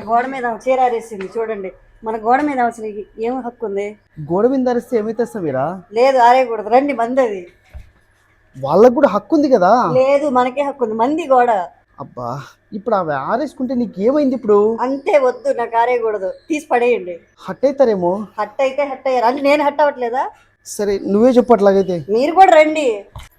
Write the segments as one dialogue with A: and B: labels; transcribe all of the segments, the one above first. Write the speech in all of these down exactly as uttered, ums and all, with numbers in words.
A: గోడ మీద చీర ఆరేసింది చూడండి. మన గోడ మీద అసలు ఏం హక్కు ఉంది?
B: గోడ మీద అరిస్తే ఏమైతే సమీరా?
A: లేదు, ఆరేయకూడదు. రండి, మంది అది.
B: వాళ్ళకు కూడా హక్కు ఉంది కదా.
A: లేదు, మనకే హక్కు ఉంది. మంది గోడ.
B: అబ్బా, ఇప్పుడు అవి ఆరేసుకుంటే నీకు ఏమైంది ఇప్పుడు?
A: అంతే, వద్దు, నాకు ఆరేయకూడదు. తీసి పడేయండి.
B: హట్ అవుతారేమో.
A: హట్ అయితే హట్ అయ్యారు అంటే నేను హట్ అవ్వట్లేదా?
B: సరే, నువ్వే చెప్పు అట్లాగైతే.
A: మీరు కూడా రండి.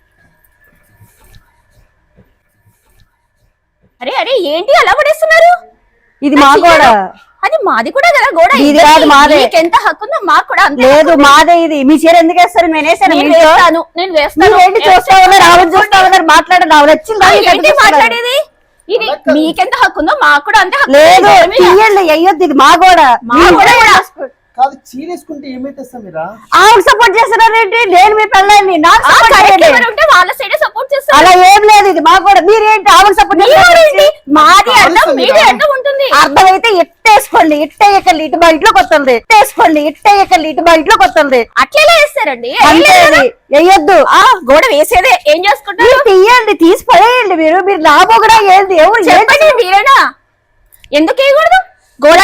C: అరే అరే ఏంటి అలా పడేస్తున్నారు?
A: ఇది మా గోడ.
C: అది మాది కూడా కదా గోడ.
A: ఇది కాదు, మాదే.
C: ఎంత హక్కు ఉందో మాకు కూడా అంతే.
A: లేదు, మాదే. ఇది మీ చీర ఎందుకు వేస్తారు? నేను వేసాను.
C: నేను వేస్తాను, నేను వేస్తాను.
A: ఏంటి చూస్తా ఉన్నారు, ఆవిడ చూస్తా ఉన్నారు, మాట్లాడండి. ఆవిడ వచ్చింది
C: మాట్లాడేది. ఇది మీకెంత హక్కు ఉందో మాకు కూడా అంతే హక్కు.
A: లేదు, తీయండి, అయ్యొద్దు. ఇది మా గోడ.
C: మా గోడ
B: కాదు, చీరేసుకుంటే ఏమైతే సమీరా?
A: ఆవిడ సపోర్ట్ చేస్తున్నారేంటి? నేను మీ పెళ్ళాన్ని, నాకు సపోర్ట్ చేయండి.
C: ఉంటే వాళ్ళ సైడ్ సపోర్ట్ చేస్తారు.
A: అలా ఏం లేదు, ఇది మా గోడ. మీరేంటి ఆవిడ సపోర్ట్ చేస్తారేంటి?
C: మాది అర్థం, మీది అర్థం ఉంటుంది.
A: అర్థమైతే ఇట్టేసుకోండి. ఇట్టేయకండి, ఇటు మా ఇంట్లోకి వస్తుంది. ఇట్టేసుకోండి, ఇట్టేయకండి, ఇటు మా ఇంట్లోకి వస్తుంది.
C: అట్లేలా వేస్తారండి?
A: వేయొద్దు.
C: ఆ గోడ వేసేదే ఏం చేసుకుంటారు?
A: తీయండి, తీసి పడేయండి. మీరు మీరు నా కూడా ఏంది? ఎవరు
C: చెప్పండి, మీరేనా? ఎందుకు వేయకూడదు? గోడ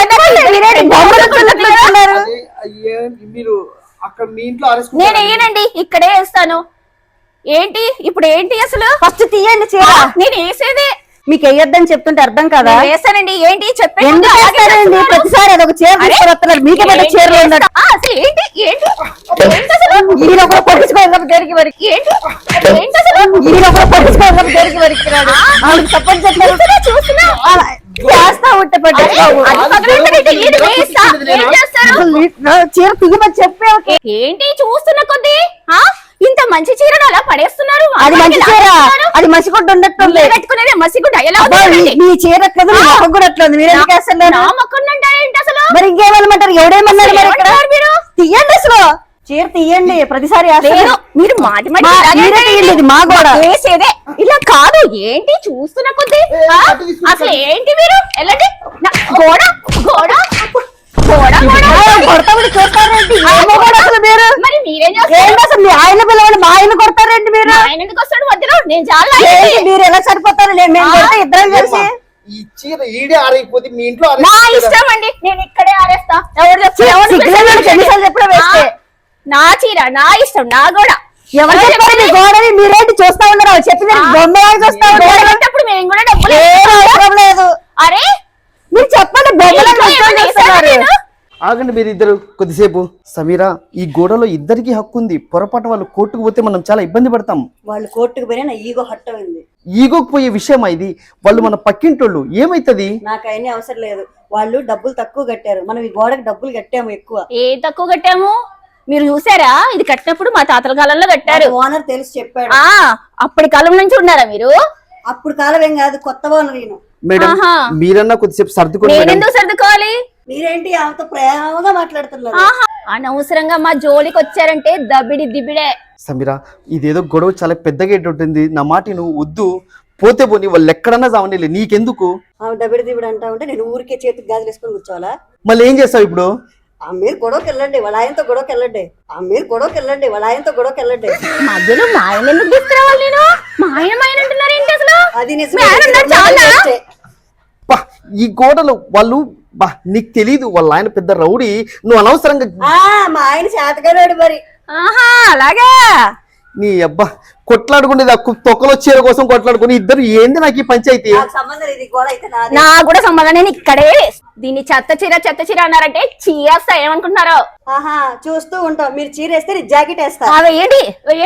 B: మీరు అక్కడ మీ ఇంట్లో
C: నేను వేయనండి, ఇక్కడే వేస్తాను. ఏంటి ఇప్పుడు? ఏంటి అసలు?
A: ఫస్ట్ తీయండి చీర.
C: నేను వేసేదే.
A: మీకు వేయొద్దని చెప్తుంటే అర్థం కదా?
C: వేస్తానండి. ఏంటి చెప్పండి.
A: ఎందుకు వేస్తారండి? ప్రతిసారి అదొక చీర తీసుకొస్తున్నారు. మీకే పెద్ద చీరలు ఉన్నాడు.
C: అసలు ఏంటి ఏంటి ఏంటి అసలు?
A: ఈయన ఒకరు పట్టించుకోవాలి దేనికి వరకు.
C: ఏంటి ఏంటి అసలు?
A: ఈయన ఒకరు పట్టించుకోవాలి దేనికి వరకు. ఆవిడకి సపోర్ట్ చేస్తున్నా చూస్తున్నా చేస్తా ఉంటే పట్టించుకోవు. చీర తిగమని చెప్పే.
C: ఏంటి చూస్తున్న కొద్ది ఇంత మంచి చీరను అలా పడేస్తున్నారు?
A: అది మంచి చీర, అది మసిగుడ్డ ఉన్నట్టుంది.
C: పెట్టుకునేది మసిగుడ్డ. ఎలా
A: మీ చీర కదా, మొక్క కూడా అట్లుంది. మీరు ఎందుకు వేస్తున్నారు?
C: ఏంటి అసలు?
A: మరి ఇంకేమన్నమాటారు? ఎవడేమన్నారు మరి ఇక్కడ? తీయండి అసలు చీర తీయండి. ప్రతిసారి
C: మీరు మాటి
A: మాటి మా గోడ
C: వేసేదే ఇలా కాదు. ఏంటి చూస్తున్న కొద్ది అసలు ఏంటి? మీరు వెళ్ళండి. గోడ గోడ
A: కొడతామని చూస్తారేంటి? మీరు
C: మరి మీరేం చేస్తారు?
A: అసలు మీ ఆయన పిల్లవాడు మా ఆయన కొడతారేంటి? మీరు
C: ఆయన ఎందుకు వస్తాడు మధ్యలో? నేను చాలా
A: మీరు ఎలా సరిపోతారు? నేను ఇద్దరం కలిసి
B: ఈ చీర ఈడే ఆరైపోతే మీ ఇంట్లో
C: నా ఇష్టం అండి. నేను ఇక్కడే ఆరేస్తా. ఎవరు
A: చెప్పడం వేస్తే
C: నా చీర నా ఇష్టం, నా గోడ.
A: ఎవరు చెప్పారు మీ గోడని? మీరేంటి చూస్తా ఉన్నారు? చెప్పిన బొమ్మ చూస్తా
C: ఉన్నప్పుడు మేము కూడా డబ్బులు
A: అవసరం లేదు.
C: అరే
A: మీరు చెప్పండి. బొమ్మలు
B: ఆగండి మీరు ఇద్దరు కొద్దిసేపు. సమీరా, ఈ గోడలో ఇద్దరికి హక్కు ఉంది. పొరపాటు వాళ్ళు కోర్టుకు పోతే మనం చాలా ఇబ్బంది పడతాం.
A: వాళ్ళు కోర్టుకు పోయినా నా ఈగో హట్ అయింది.
B: ఈగోకు పోయే విషయమా ఇది? వాళ్ళు మన పక్కింటోళ్ళు. ఏమైతుంది?
A: నాకు అయినా అవసరం లేదు. వాళ్ళు డబ్బులు తక్కువ కట్టారు, మనం ఈ గోడకి డబ్బులు కట్టాము ఎక్కువ.
C: ఏ తక్కువ కట్టాము? మీరు చూసారా? ఇది కట్టినప్పుడు మా తాతల కాలంలో కట్టారు.
A: ఓనర్ తెలిసి చెప్పాడు.
C: ఆ అప్పటి కాలం నుంచి ఉన్నారా మీరు?
A: అప్పుడు కాలం ఏం కాదు, కొత్త ఓనర్ ఈయన.
B: మేడం, మీరన్నా కొద్దిసేపు సర్దుకోండి.
C: నేను ఎందుకు సర్దుకోవాలి?
A: మీరేంటి ఆమెతో ప్రేమగా మాట్లాడుతున్నారు?
C: అనవసరంగా మా జోలికి వచ్చారంటే దబిడి దిబిడే.
B: సమీరా, ఇదేదో గొడవ చాలా పెద్దగా ఉంటుంది. నా మాట నువ్వు వద్దు. పోతే పోనీ, వాళ్ళు ఎక్కడన్నా చావనిలే, నీకెందుకు?
A: ఆమె దబిడి దిబిడి అంటా ఉంటే నేను ఊరికే చేతికి గాజులు వేసుకొని కూర్చోవాలా?
B: మళ్ళీ ఏం చేస్తావు ఇప్పుడు?
A: ఆ మీరు గొడవకి వెళ్ళండి, వాళ్ళ ఆయనతో గొడవకి వెళ్ళండి. ఆ మీరు గొడవకి వెళ్ళండి, వాళ్ళ ఆయనతో గొడవకి వెళ్ళండి.
C: మధ్యలో మా ఆయన ఎందుకు తీసుకురావాలి? నేను మా ఆయన మా ఆయన అంటున్నారు ఏంటి అసలు?
A: అది
B: ఈ గోడలు వాళ్ళు బా నీకు తెలీదు. వాళ్ళ ఆయన పెద్ద రౌడీ. నువ్వు అనవసరంగా
A: మా ఆయన చేతగాడు మరి.
C: ఆహా అలాగా.
B: నీ అబ్బా కొట్లాడుకునేది తొక్కలో చీర కోసం కొట్లాడుకుని ఇద్దరు. ఏంది నాకు ఈ పంచాయతీ?
C: నా కూడా సంబంధం. నేను ఇక్కడే దీన్ని చెత్త చీర చెత్త చీర అన్నారంటే చీరేస్తా. ఏమనుకుంటున్నారో?
A: ఆహా చూస్తూ ఉంటాం. మీరు చీర వేస్తే నేను జాకెట్ వేస్తా.
C: ఏంటి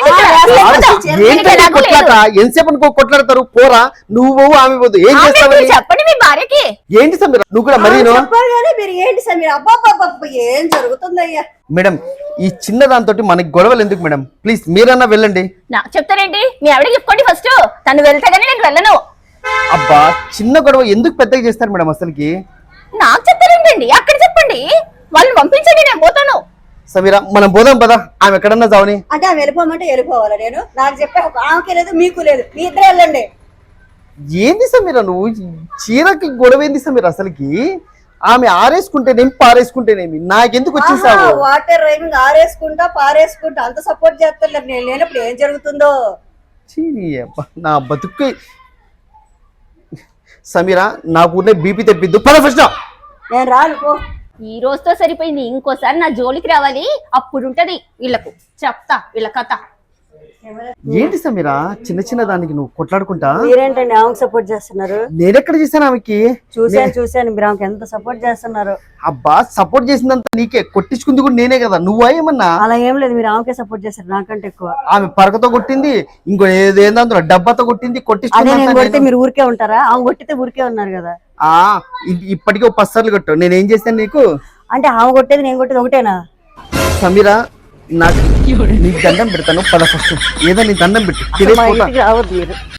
B: ఎంతసేపు అనుకో కొట్లాడతారు? పోరా నువ్వు ఆమె పోదు. ఏం చేస్తావు
C: చెప్పండి మీ భార్యకి.
B: ఏంటి సమీర నువ్వు కూడా మరి?
A: మీరు ఏంటి సమీర? అబ్బా ఏం జరుగుతుందయ్యా?
B: మేడం, ఈ చిన్న దాంతో మనకి గొడవలు ఎందుకు మేడం? ప్లీజ్ మీరన్నా వెళ్ళండి.
C: నాకు చెప్తారేంటి? మీ ఆవిడకి చెప్పుకోండి ఫస్ట్. తను వెళ్తే గానీ నేను వెళ్ళను.
B: అబ్బా చిన్న గొడవ ఎందుకు పెద్దగా చేస్తారు మేడం అసలుకి?
C: నాకు చెప్తారేంటండి? అక్కడ చెప్పండి, వాళ్ళని పంపించండి, నేను పోతాను.
B: సమీరా, మనం పోదాం పదా. ఆమె ఎక్కడన్నా చావని.
A: అంటే ఆమె వెళ్ళిపోమంటే వెళ్ళిపోవాలా? నేను నాకు చెప్పే ఆమెకి లేదు, మీకు లేదు, మీ ఇద్దరు వెళ్ళండి.
B: ఏంది సమీరా నువ్వు? చీరకి గొడవ ఏంది సమీరా అసలుకి? ఆమె ఆరేసుకుంటేనేమి పారేసుకుంటేనేమి నాకెందుకు వచ్చేసావు?
A: వాటర్ రైమింగ్ ఆరేసుకుంటా పారేసుకుంటా అంత సపోర్ట్ చేస్తారు. నేను లేనప్పుడు ఏం జరుగుతుందో
B: నా బతుకు. సమీరా, నాకు బీపీ తెప్పిద్దు పద ఫస్ట్.
D: నేను రాను పో.
C: ఈ రోజుతో సరిపోయింది, ఇంకోసారి నా జోలికి రావాలి, అప్పుడు ఉంటది వీళ్ళకు, చెప్తా వీళ్ళ కథ.
B: ఏంటి సమీరా చిన్న చిన్న దానికి నువ్వు కొట్లాడుకుంటా?
D: మీరేంటండి ఆమెకు సపోర్ట్ చేస్తున్నారు?
B: నేనెక్కడ చేశాను ఆమెకి?
D: చూశాను చూశాను మీరు ఆమెకు ఎంత సపోర్ట్ చేస్తున్నారు.
B: అబ్బా సపోర్ట్ చేసిందంతా నీకే, కొట్టించుకుంది కూడా నేనే కదా, నువ్వా ఏమన్నా?
D: అలా ఏం లేదు, మీరు ఆమెకే సపోర్ట్ చేస్తారు నాకంటే ఎక్కువ.
B: ఆమె పరకతో కొట్టింది, ఇంకో ఏదేందో డబ్బాతో కొట్టింది,
D: అదే నేను కొడితే
B: కొట్టించుకుంది.
D: మీరు ఊరికే ఉంటారా? ఆమె కొట్టితే ఊరికే ఉన్నారు కదా.
B: ఆ ఇ- ఇప్పటికే ఒక పది కొట్టు, నేనేం చేశాను నీకు?
D: అంటే ఆమె కొట్టేది నేను కొట్టేది ఒకటేనా?
B: సమీరా నాకు నీకు దండం పెడతాను, పద ఫస్ట్ ఏదో నీ దండం పెట్టు
D: అసలు మా
B: తెలియకపోతా.
D: ఇంటికి రావద్దు మీరు.